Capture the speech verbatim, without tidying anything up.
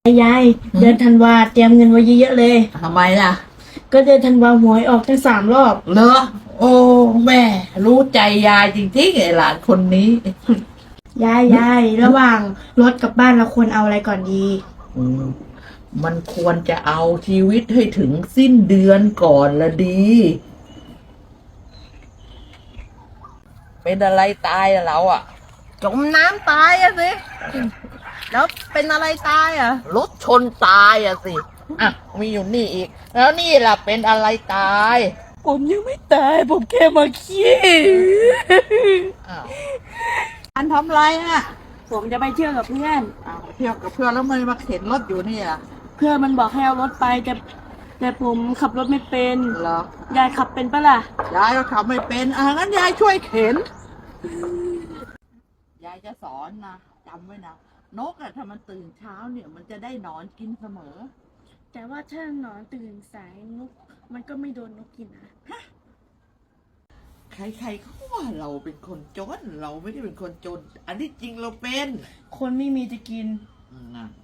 ยายเดือนธันวาเตรียมเงินไว้เยอะๆเลยทำไมล่ะก็เดือนธันวาหวยออกทั้งสามรอบเหรอโอ้แม่รู้ใจยายจริงๆไอ้หลานคนนี้ยายยายระหว่างรถกับบ้านเราควรเอาอะไรก่อนดีอืมมันควรจะเอาชีวิตให้ถึงสิ้นเดือนก่อนละดี เป็นอะไรตายอะเราอะจมน้ำตายอะสิ แล้วเป็นอะไรตายอะรถชนตายอะสิอ่ะมีอยู่นี่อีก แล้วนี่ล่ะเป็นอะไรตายผมยังไม่ตายผมแค่มาขี้อ้าวอันทำอะไรอะผมจะไปเที่ยวกับเพื่อนอ้าวเที่ยวกับเพื่อนแล้วมันมาเข็นรถอยู่นี่ล่ะเพื่อนมันบอกให้เอารถไปแต่แต่ผมขับรถไม่เป็นเหรอยายขับเป็นปะล่ะยายก็ขับไม่เป็นอ่ะงั้นยายช่วยเข็น ยายจะสอนนะจำไว้นะนกอะถ้ามันตื่นเช้าเนี่ยมันจะได้หนอนกินเสมอแต่ว่าถ้าหนอนตื่นสายนกมันก็ไม่โดนนกกินนะใครๆเขาว่าเราเป็นคนจนเราไม่ได้เป็นคนจน อันนี้จริงเราเป็นคนไม่มีจะกินอืมนะ